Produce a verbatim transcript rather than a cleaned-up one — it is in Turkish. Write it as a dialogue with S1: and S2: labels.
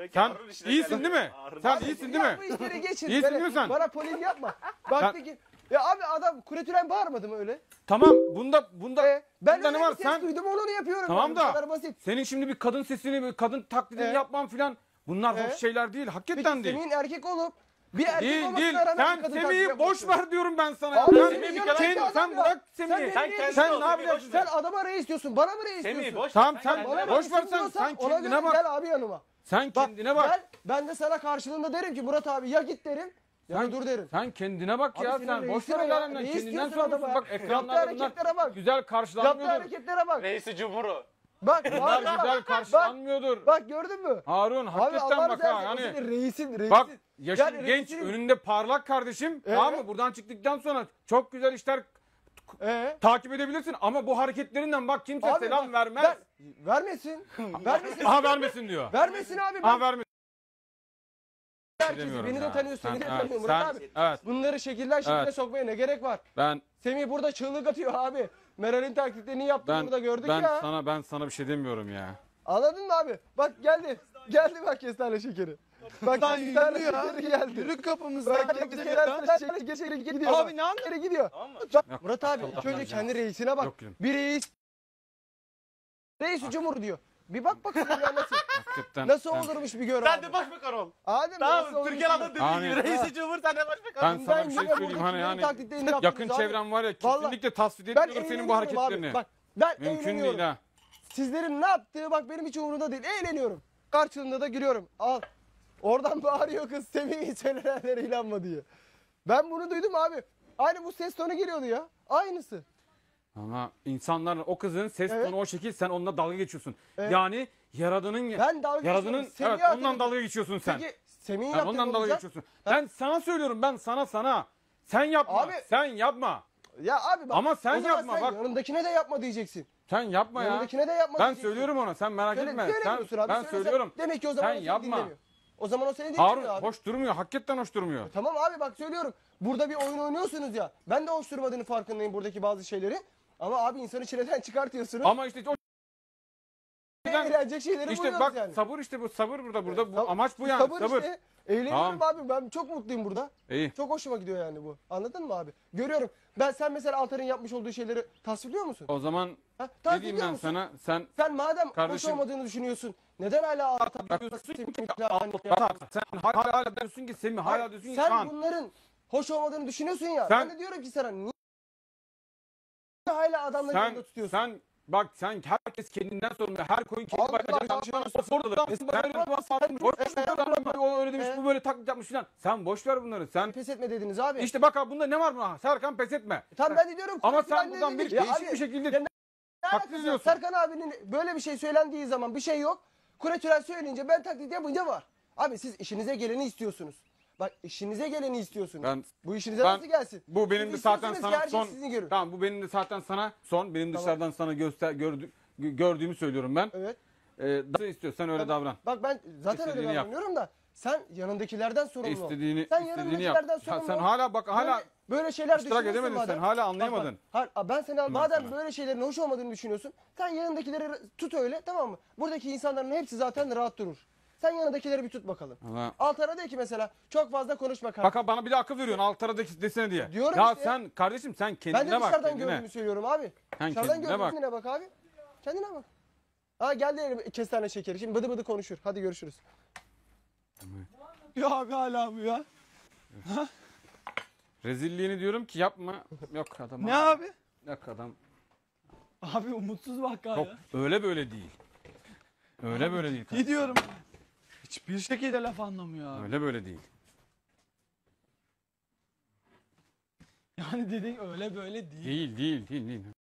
S1: Sen iyisin değil mi? Sen iyisin değil mi?
S2: Bu işleri geçin.
S1: İyisin
S2: Böyle
S1: değil mi sen?
S2: Bana polis yapma. Bak peki. Ya abi adam kuretülen bağırmadı mı öyle?
S1: Tamam bunda bunda
S2: E, ben
S1: bunda
S2: öyle
S1: ne var?
S2: bir ses
S1: Sen
S2: duydum onu yapıyorum.
S1: tamam
S2: yani. Bu
S1: da
S2: kadar basit.
S1: senin şimdi bir kadın sesini, bir kadın taklidini
S2: E?
S1: yapman filan bunlar
S2: E?
S1: hoş şeyler değil.
S2: Peki
S1: Hakikaten değil.
S2: Semih'in erkek olup bir erkek
S1: Değil
S2: olmasına
S1: değil.
S2: rağmen
S1: Sen
S2: bir kadın
S1: Semih'i
S2: taklidi
S1: boş
S2: yapıyorsun.
S1: ver diyorum ben sana.
S2: Abi
S1: Sen,
S2: Semih
S1: sen,
S2: yanındaki
S1: sen,
S2: adam ya.
S1: bırak
S2: Sen
S1: Semih'i.
S2: beni
S1: Sen,
S2: niye
S1: sen,
S2: diyorsun?
S1: ne yapacaksın?
S2: Sen adama reis diyorsun. Bana mı reis
S3: Semih
S2: diyorsun?
S3: boş.
S1: Tamam
S3: Sen
S1: sen
S2: Bana
S1: boş
S2: reis
S1: ver sen.
S2: diyorsan
S1: Sen
S2: ona
S1: kendine
S2: göre
S1: bak.
S2: Gel abi yanıma.
S1: Sen kendine bak.
S2: Gel, ben de sana karşılığında derim ki Murat abi ya git derim ya
S1: Sen,
S2: dur derim.
S1: sen kendine bak
S2: Abi
S1: ya
S2: senin
S1: sen. Boş
S2: reisine
S1: ver
S2: ya.
S1: adamdan.
S2: Reis
S1: Kendinden
S2: diyorsun
S1: sorumlusun.
S2: adama.
S1: Bak
S2: Yaptığı
S1: ekranlarda bunlar
S2: hareketlere bak.
S1: güzel
S2: Yaptığı
S1: karşılanmıyordur.
S2: hareketlere bak.
S3: Reisi Cumhur'u.
S2: Bak
S1: Bunlar
S2: bak,
S1: güzel
S2: bak,
S1: karşılanmıyordur.
S2: bak gördün mü?
S1: Harun
S2: Abi
S1: hakikaten
S2: Allah
S1: bak
S2: razı
S1: ha
S2: olsun.
S1: yani.
S2: Senin reisin reisin.
S1: Bak yaşın
S2: Yani
S1: genç
S2: reisin-
S1: önünde parlak kardeşim.
S2: Ee?
S1: Tamam mı? Buradan çıktıktan sonra çok güzel işler
S2: Ee?
S1: takip edebilirsin ama bu hareketlerinden bak kimse
S2: Abi
S1: selam
S2: bak,
S1: vermez.
S2: ver- vermesin. vermesin.
S1: Aha vermesin diyor.
S2: vermesin abi.
S1: Aha
S2: Ben
S1: vermesin.
S2: herkesi,
S1: Demiyorum
S2: beni de
S1: ya.
S2: tanıyorsun,
S1: Sen-
S2: beni de
S1: evet,
S2: tanıyor Murat
S1: sen-
S2: abi.
S1: Evet
S2: Bunları şekiller şekline
S1: Evet.
S2: sokmaya ne gerek var?
S1: ben
S2: Semih burada çığlık atıyor abi. Meral'in taklitlerini yaptı
S1: ben
S2: burada gördük
S1: ben
S2: ya.
S1: sana ben sana bir şey demiyorum ya.
S2: Anladın mı abi? Bak geldi. Geldi bak kestane şekeri. Bak kestane şekeri geldi.
S4: Yürü kapımızdan.
S2: Bak kestane şekeri gidiyor.
S4: Abi
S2: bak.
S4: ne yapıyorsun?
S2: Şekeri gidiyor.
S3: Tamam mı?
S2: Bak, Murat abi ilk önce
S1: yapmayacağım.
S2: kendi reisine bak.
S1: Yok gülüm.
S2: Bir reis. Reis Cumhur diyor. Bir bak bakalım ya nasıl.
S1: Hakikaten.
S2: Nasıl
S1: ben,
S2: olurmuş bir gör
S3: Sen
S2: abi.
S3: de başbakan ol.
S2: Abi nasıl
S3: Tamam
S2: olmuş
S3: Türkiye
S2: bir
S3: Hanım dediği
S1: Amin.
S3: gibi. Reisi Cumhur sen de başbakan
S1: ben
S3: ol.
S1: sana bir şey
S2: yine
S1: söyleyeyim hani
S2: buradakilerin
S1: hani
S2: taklitlerini
S1: yakın
S2: yaptınız abi.
S1: çevrem var ya
S2: Vallahi-
S1: kesinlikle tasvip
S2: Ben
S1: etmiyorum senin bu
S2: eğleniyorum abi.
S1: hareketlerini.
S2: Bak ben
S1: Mümkün
S2: eğleniyorum.
S1: değil ha.
S2: Sizlerin ne yaptığı bak benim hiç umurumda değil. Eğleniyorum. Karşılığında da gülüyorum. Al. Oradan bağırıyor kız Semih'in söylenenlere inanma diye. Ben bunu duydum abi. Aynı bu ses tonu geliyordu ya. Aynısı.
S1: Ama insanlar o kızın ses
S2: Evet.
S1: tonu o şekil sen onunla dalga geçiyorsun.
S2: Evet.
S1: Yani yaradanın
S2: Ben dalga
S1: yaradanın
S2: geçiyorum. Semih'e
S1: evet ondan
S2: hatırladım.
S1: dalga geçiyorsun sen.
S2: Peki Semih'in
S1: Yani
S2: yaptığı
S1: ondan dalga
S2: olacak.
S1: geçiyorsun. Ben sana söylüyorum ben sana sana. Sen yapma.
S2: Abi-
S1: Sen yapma.
S2: Ya abi bak.
S1: Ama sen
S2: o zaman
S1: yapma,
S2: sen
S1: bak.
S2: yanındakine de yapma diyeceksin.
S1: Sen yapma ya.
S2: Yanındakine de yapma
S1: Ben
S2: diyeceksin.
S1: söylüyorum ona. Sen merak
S2: Söyle,
S1: etme. Sen,
S2: söylemiyorsun abi.
S1: ben
S2: Söylesen-
S1: söylüyorum.
S2: Demek ki o zaman
S1: Sen
S2: o seni
S1: yapma.
S2: dinlemiyor. O zaman o seni dinlemiyor
S1: Harun
S2: abi.
S1: hoş durmuyor. Hakikaten hoş durmuyor.
S2: Tamam abi bak söylüyorum. Burada bir oyun oynuyorsunuz ya. Ben de hoş durmadığını farkındayım buradaki bazı şeyleri. Ama abi insanı çileden çıkartıyorsunuz.
S1: Ama işte o
S2: Eğlenecek şeyleri
S1: işte
S2: buluyoruz
S1: bak
S2: yani.
S1: sabır işte bu sabır burada burada bu
S2: Sab-
S1: amaç bu yani
S2: sabır.
S1: sabır.
S2: Işte. Eğleniyorum abi ben çok mutluyum burada.
S1: İyi.
S2: Çok hoşuma gidiyor yani bu. Anladın mı abi? Görüyorum. Ben sen mesela Altar'ın yapmış olduğu şeyleri tasvirliyor musun?
S1: O zaman
S2: Ha,
S1: ne
S2: tasvirliyor
S1: diyeyim ben
S2: musun?
S1: sana? Sen
S2: Sen madem
S1: Kardeşim-
S2: hoş olmadığını düşünüyorsun. Neden hala Altar
S1: Bak, diyorsun ki sen hala, hala diyorsun ki Semih hala diyorsun ki
S2: sen
S1: Kaan.
S2: bunların hoş olmadığını düşünüyorsun ya.
S1: Sen-
S2: ben de diyorum ki sana niye hala adamları
S1: Sen
S2: yanında tutuyorsun?
S1: sen bak sen herkes kendinden sorumlu. Her koyun kendi
S2: Allah
S1: bakacak.
S2: Allah.
S1: Yanlış orada da. Sen böyle bir tuhaf atmış. Boş ver adam o öyle demiş bu böyle taklit yapmış filan. Sen boş ver bunları. Sen
S2: Pes etme dediniz abi.
S1: işte bak abi bunda ne var mı? Serkan pes etme.
S2: Tam ben de diyorum.
S1: Ama
S2: Kuretülen
S1: sen buradan
S2: dedi
S1: bir
S2: ki- Ya
S1: değişik
S2: abi,
S1: bir şekilde
S2: ya ne
S1: taklit
S2: alakası var?
S1: ediyorsun.
S2: Serkan abinin böyle bir şey söylendiği zaman bir şey yok. Kuretülen söyleyince ben taklit yapınca var. Abi siz işinize geleni istiyorsunuz. Bak işinize geleni istiyorsunuz.
S1: Ben
S2: Bu işinize
S1: ben-
S2: nasıl gelsin?
S1: bu benim
S2: Siz
S1: de zaten
S2: istiyorsunuz ki
S1: sana
S2: herkes
S1: son
S2: sizin görün.
S1: tamam bu benim de zaten sana son benim
S2: Tamam.
S1: dışarıdan sana göster gördü, gördüğümü söylüyorum ben.
S2: Evet.
S1: Ee, nasıl istiyorsan öyle davran.
S2: Bak ben zaten öyle
S1: İstediğini yap.
S2: davranıyorum da sen yanındakilerden sorumlu ol.
S1: İstediğini
S2: sen
S1: istediğini yap.
S2: yanındakilerden
S1: Ya
S2: sorumlu
S1: sen
S2: ol.
S1: hala bak hala
S2: Böyle, böyle şeyler
S1: iştirak
S2: düşünüyorsun
S1: edemedin
S2: madem.
S1: sen hala
S2: Bak,
S1: anlayamadın.
S2: bak, ha, ben sana madem
S1: sana.
S2: böyle şeylerin hoş olmadığını düşünüyorsun. Sen yanındakileri tut öyle tamam mı? Buradaki insanların hepsi zaten rahat durur. Sen yanındakileri bir tut bakalım.
S1: Allah.
S2: Altar'a de ki mesela çok fazla konuşma kardeşim.
S1: Bak bana bir de akıl veriyorsun alt taradaki desene diye.
S2: Diyorum
S1: ya
S2: işte.
S1: sen kardeşim sen
S2: Ben de
S1: kendine bak
S2: dışarıdan
S1: kendine.
S2: gördüğümü söylüyorum abi.
S1: Sen
S2: Dışarıdan
S1: kendine bak.
S2: gördüğüne bak abi. Kendine bak. Ha geldi elim kestane şekeri. Şimdi bıdı bıdı konuşur. Hadi görüşürüz.
S4: Ya abi hala bu ya.
S1: Rezilliğini diyorum ki yapma. Yok adam.
S4: Ne abi?
S1: Yok adam.
S4: Abi umutsuz vaka
S1: Yok
S4: ya.
S1: öyle böyle değil. Öyle böyle değil.
S4: Ne diyorum? Hiçbir şekilde laf anlamıyor abi.
S1: Öyle böyle değil.
S4: Yani dediğin öyle böyle değil.
S1: Değil değil değil değil.